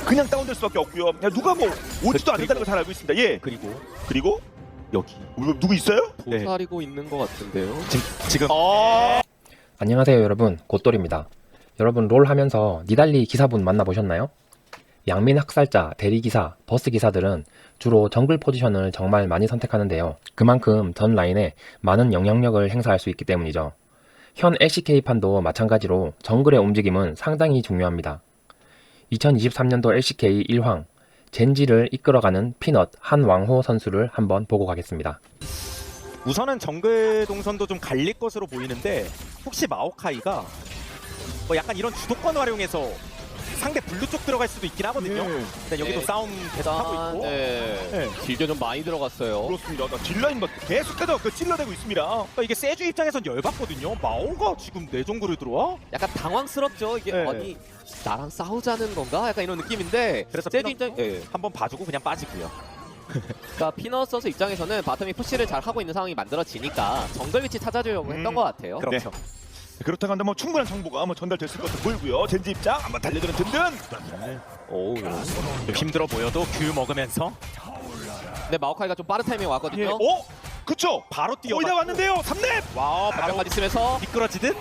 그냥 다운될 수밖에 없고요. 야, 누가 뭐 오지도 않는다는 걸 잘 알고 있습니다. 예. 그리고 여기 누구 있어요? 도사리고 있는 것 같은데요. 지금 안녕하세요 여러분, 곧돌입니다. 여러분 롤 하면서 니달리 기사분 만나보셨나요? 양민 학살자, 대리기사, 버스기사들은 주로 정글 포지션을 정말 많이 선택하는데요. 그만큼 전 라인에 많은 영향력을 행사할 수 있기 때문이죠. 현 LCK판도 마찬가지로 정글의 움직임은 상당히 중요합니다. 2023년도 LCK 1황 젠지를 이끌어가는 피넛 한왕호 선수를 한번 보고 가겠습니다. 우선은 정글 동선도 좀 갈릴 것으로 보이는데 혹시 마오카이가 뭐 약간 이런 주도권을 활용해서 상대 블루 쪽 들어갈 수도 있긴 하거든요. 일단 여기도 네. 싸움 계속하고 있고 네. 길게 좀 많이 들어갔어요. 그렇습니다. 나 딜라인 계속해서 찔러대고 있습니다. 그러니까 이게 세주 입장에선 열받거든요. 마오가 지금 내 정글을 들어와? 약간 당황스럽죠. 이게 네. 아니 나랑 싸우자는 건가? 약간 이런 느낌인데 그래서 세주 입장 한번 봐주고 그냥 빠지고요. 그러니까 피넛 선수 입장에서는 바텀이 푸시를 잘 하고 있는 상황이 만들어지니까 정글 위치 찾아주려고 했던 것 같아요. 그렇죠. 그렇다고 한다면 충분한 정보가 전달됐을 것으로 보이고요. 젠지 입장 한번 달려드는 든든. 오. 좀 힘들어 보여도 귤 먹으면서 근데 마오카이가 좀 빠른 타이밍에 왔거든요. 예. 그쵸. 바로 뛰어. 거의 다 왔는데요. 3렙. 와, 바로 바로까지 쓰면서 미끄러지듯.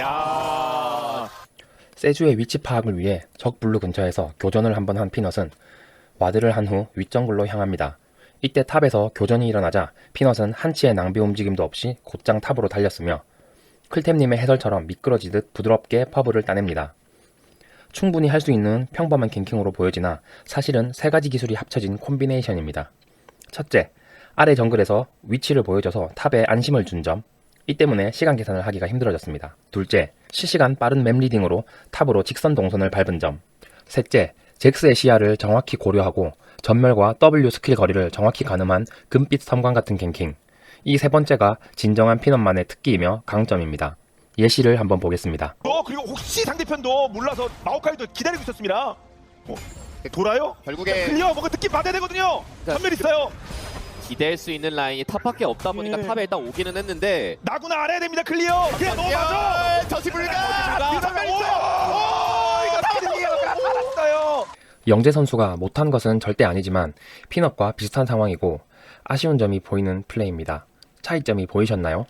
야. 세주의 위치 파악을 위해 적 블루 근처에서 교전을 한번 한 피넛은 와드를 한 후 윗정글로 향합니다. 이때 탑에서 교전이 일어나자 피넛은 한치의 낭비 움직임도 없이 곧장 탑으로 달렸으며 클템님의 해설처럼 미끄러지듯 부드럽게 퍼블을 따냅니다. 충분히 할 수 있는 평범한 갱킹으로 보여지나 사실은 세 가지 기술이 합쳐진 콤비네이션입니다. 첫째, 아래 정글에서 위치를 보여줘서 탑에 안심을 준 점. 이 때문에 시간 계산을 하기가 힘들어졌습니다. 둘째, 실시간 빠른 맵 리딩으로 탑으로 직선 동선을 밟은 점. 셋째, 잭스의 시야를 정확히 고려하고 전멸과 W 스킬 거리를 정확히 가늠한 금빛 섬광 같은 갱킹. 이 세 번째가 진정한 피넛만의 특기이며 강점입니다. 예시를 한번 보겠습니다. 그리고 혹시 상대편도 몰라서 마오카이도 기다리고 있었습니다. 돌아요? 결국에 클리어 뭔가 느낌 받아야 되거든요. 전멸 있어요. 기댈 수 있는 라인이 탑밖에 없다 보니까 탑에 일단 오기는 했는데 나구나 알아야 됩니다. 클리어. 그냥 넘어가죠. 전시 불가! 전멸 있어요. 이거 타이밍이에요. 살았어요. 영재 선수가 못한 것은 절대 아니지만 피넛과 비슷한 상황이고 아쉬운 점이 보이는 플레이입니다. 차이점이 보이셨나요?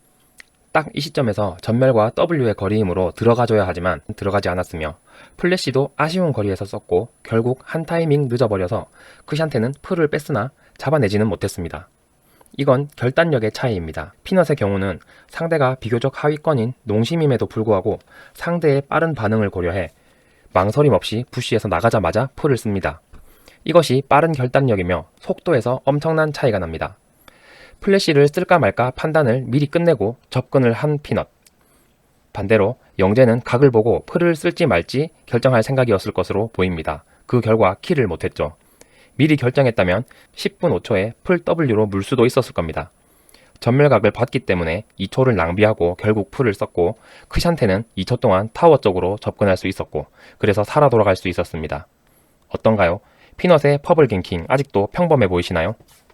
딱 이 시점에서 전멸과 W의 거리이므로 들어가줘야 하지만 들어가지 않았으며 플래시도 아쉬운 거리에서 썼고 결국 한 타이밍 늦어버려서 크샨테는 풀을 뺐으나 잡아내지는 못했습니다. 이건 결단력의 차이입니다. 피넛의 경우는 상대가 비교적 하위권인 농심임에도 불구하고 상대의 빠른 반응을 고려해 망설임 없이 부시에서 나가자마자 풀을 씁니다. 이것이 빠른 결단력이며 속도에서 엄청난 차이가 납니다. 플래시를 쓸까 말까 판단을 미리 끝내고 접근을 한 피넛. 반대로 영재는 각을 보고 풀을 쓸지 말지 결정할 생각이었을 것으로 보입니다. 그 결과 킬을 못했죠. 미리 결정했다면 10분 5초에 풀 W로 물 수도 있었을 겁니다. 전멸각을 봤기 때문에 2초를 낭비하고 결국 풀을 썼고 크샨테는 2초 동안 타워 쪽으로 접근할 수 있었고 그래서 살아 돌아갈 수 있었습니다. 어떤가요? 피넛의 퍼블 갱킹 아직도 평범해 보이시나요?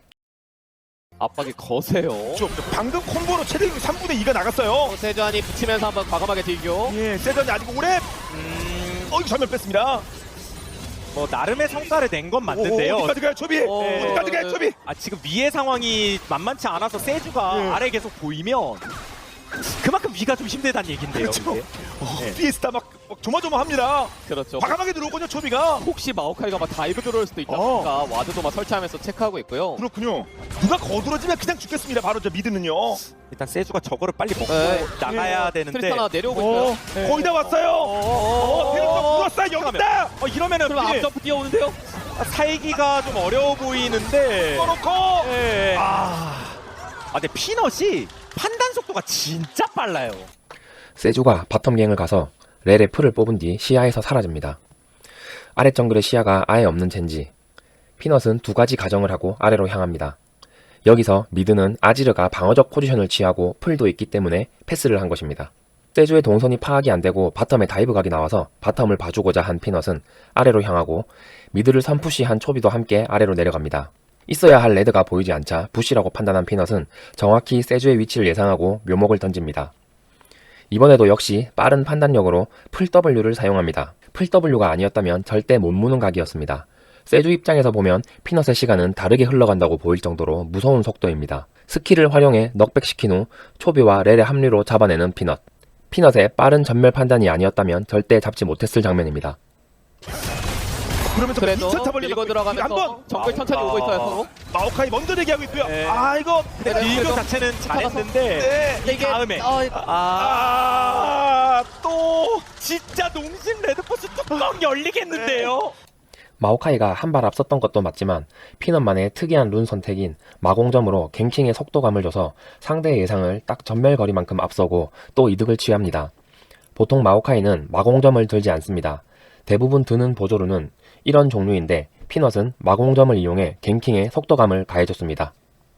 압박이 거세요. 방금 콤보로 최대 3분의 2가 나갔어요. 세주안이 붙이면서 한번 과감하게 딜교. 예, 세전이 아직 오래. 이거 전멸 뺐습니다. 뭐 나름의 성과를 낸 건 맞는데요. 어디까지 가요, 초비? 어디까지 가요, 초비? 지금 위의 상황이 만만치 않아서 세주가 아래 계속 보이면 그만큼 위가 좀 힘들다는 얘긴데요. 그렇죠. 네. 피에스타 막 조마조마합니다. 그렇죠. 과감하게 들어오거든요, 초비가. 혹시 마오카이가 막 다이브 들어올 수도 있다 보니까 와드도 막 설치하면서 체크하고 있고요. 그렇군요. 누가 거들어지면 그냥 죽겠습니다. 바로 저 미드는요. 일단 세주가 저거를 빨리 먹고 네. 나가야 되는데 트리스타나 내려오고 있어요. 네. 거의 다 왔어요. 대륙가 불었어요. 여기 있다. 이러면은 그럼 앞점프 뛰어오는데요? 살기가 좀 어려워 보이는데 써놓고. 네. 근데 피넛이 판단 속도가 진짜 빨라요. 세주가 바텀갱을 가서 렐의 풀을 뽑은 뒤 시야에서 사라집니다. 아래 정글의 시야가 아예 없는 젠지. 피넛은 두 가지 가정을 하고 아래로 향합니다. 여기서 미드는 아지르가 방어적 포지션을 취하고 풀도 있기 때문에 패스를 한 것입니다. 세주의 동선이 파악이 안되고 바텀에 다이브 각이 나와서 바텀을 봐주고자 한 피넛은 아래로 향하고 미드를 선푸시한 초비도 함께 아래로 내려갑니다. 있어야 할 레드가 보이지 않자 부시라고 판단한 피넛은 정확히 세주의 위치를 예상하고 묘목을 던집니다. 이번에도 역시 빠른 판단력으로 풀 W를 사용합니다. 풀 W가 아니었다면 절대 못 무는 각이었습니다. 세주 입장에서 보면 피넛의 시간은 다르게 흘러간다고 보일 정도로 무서운 속도입니다. 스킬을 활용해 넉백시킨 후 초비와 렐의 합류로 잡아내는 피넛. 피넛의 빠른 전멸 판단이 아니었다면 절대 잡지 못했을 장면입니다. 그러면서 그래도 미쳐 타버리는 밀고 거. 들어가면서 한번 정글 천천히 오고 있어요 서로. 마오카이 먼저 대기하고 있고요. 네. 아 이거 근데 딜교 그래도 자체는 잘했는데 네. 이 다음에 또 진짜 농심 레드포스 뚜껑 열리겠는데요. 마오카이가 한 발 앞섰던 것도 맞지만 피넛만의 특이한 룬 선택인 마공점으로 갱킹의 속도감을 줘서 상대의 예상을 딱 전멸거리만큼 앞서고 또 이득을 취합니다. 보통 마오카이는 마공점을 들지 않습니다. 대부분 드는 보조루는 이런 종류인데 피넛은 마공점을 이용해 갱킹의 속도감을 가해줬습니다.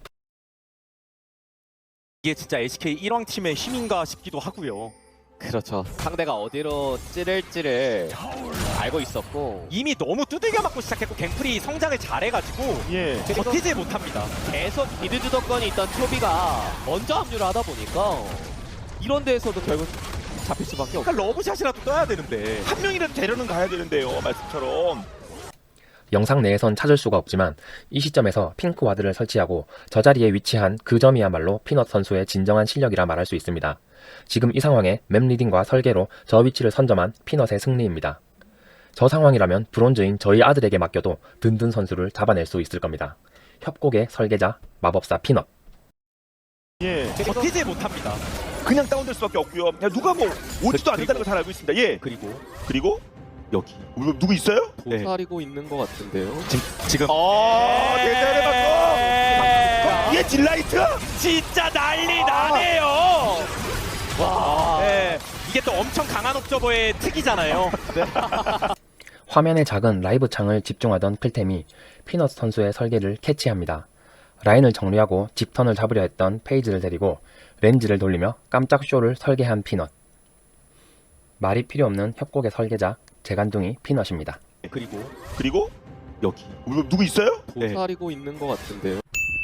이게 진짜 SK 1왕 팀의 힘인가 싶기도 하고요. 그렇죠. 상대가 어디로 찌를지를 알고 있었고 이미 너무 두들겨 맞고 시작했고 갱플이 성장을 잘해가지고 예. 버티지 못합니다. 계속 미드 주도권이 있던 초비가 먼저 합류를 하다 보니까 이런 데에서도 결국 잡힐 수밖에 없고. 그러니까 러브샷이라도 떠야 되는데 한 명이라도 데려는 가야 되는데요. 말씀처럼. 영상 내에선 찾을 수가 없지만 이 시점에서 핑크 와드를 설치하고 저 자리에 위치한 그 점이야말로 피넛 선수의 진정한 실력이라 말할 수 있습니다. 지금 이 상황에 맵 리딩과 설계로 저 위치를 선점한 피넛의 승리입니다. 저 상황이라면 브론즈인 저희 아들에게 맡겨도 든든 선수를 잡아낼 수 있을 겁니다. 협곡의 설계자 마법사 피넛. 예. 버티지 못합니다. 그냥 다운될 수밖에 없고요. 그냥 누가 뭐 오지도 않는다는 걸 잘 알고 있습니다. 예. 그리고 여기 누구 있어요? 도사리고 있는 것 같은데요. 지금 대단해 봤고. 얘 딜라이트? 진짜 난리 나네요. 와, 이게 또 엄청 강한 옵저버의 특이잖아요. 화면의 작은 라이브 창을 집중하던 클템이 피넛 선수의 설계를 캐치합니다. 라인을 정리하고 집턴을 잡으려 했던 페이지를 데리고 렌즈를 돌리며 깜짝 쇼를 설계한 피넛. 말이 필요 없는 협곡의 설계자 재간둥이 피넛입니다. 그리고 여기 누구 있어요? 도사리고 있는 것 같은데요.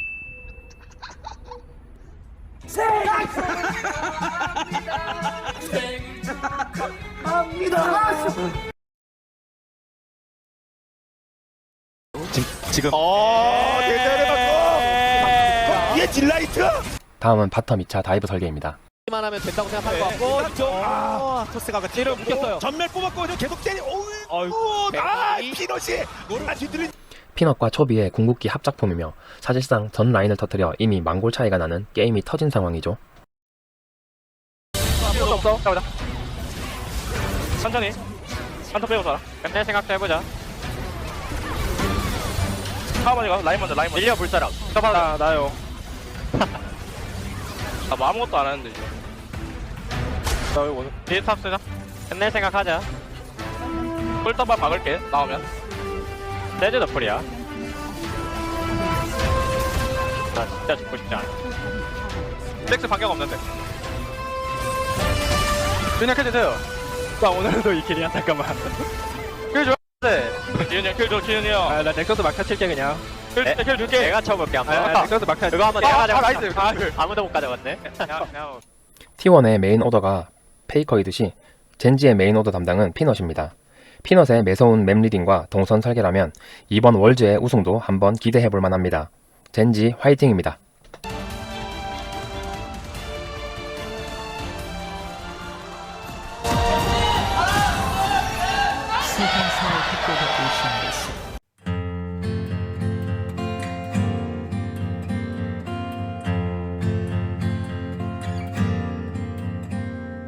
지금 대단해 봤고. 얘 딜라이트? 다음은 바텀 2차 다이브 설계입니다. 만 하면 된다고 생각할 것 같고 토스가 찌를 묶였어요. 전멸 뽑았고 계속 때리. 어이구, 피넛이. 뒤들은. 피넛과 초비의 궁극기 합작품이며 사실상 전 라인을 터뜨려 이미 망골 차이가 나는 게임이 터진 상황이죠. 없어. 가보자. 천천히. 한턴 빼고 살아. 내 생각도 해보자. 하나만 이거 라인 먼저. 밀려 볼 사람. 나요. 뭐 아무것도 안 하는데 이제. 나 이거 뒤에 탑 쓰자. 끝낼 생각하자. 꿀떡만 박을게. 나오면. 세즈 너플이야. 나 진짜 죽고 싶지 않아. 섹스 반격 없는데. 그냥 해주세요. 나 오늘도 이 길이야. 잠깐만. 킬 줘. 기훈이 형 킬 줘. 기훈이 형. 아, 나 넥서스 막타 칠게 그냥. 킬 줄게. 내가 쳐볼게 한번. 넥서스 막타. 이거 한번 내가 가져갈게. 나이스. 아무도 못 가져갔네. T1의 메인 오더가 페이커이듯이 젠지의 메인 오더 담당은 피넛입니다. 피넛의 매서운 맵 리딩과 동선 설계라면 이번 월즈의 우승도 한번 기대해볼 만합니다. 젠지 화이팅입니다.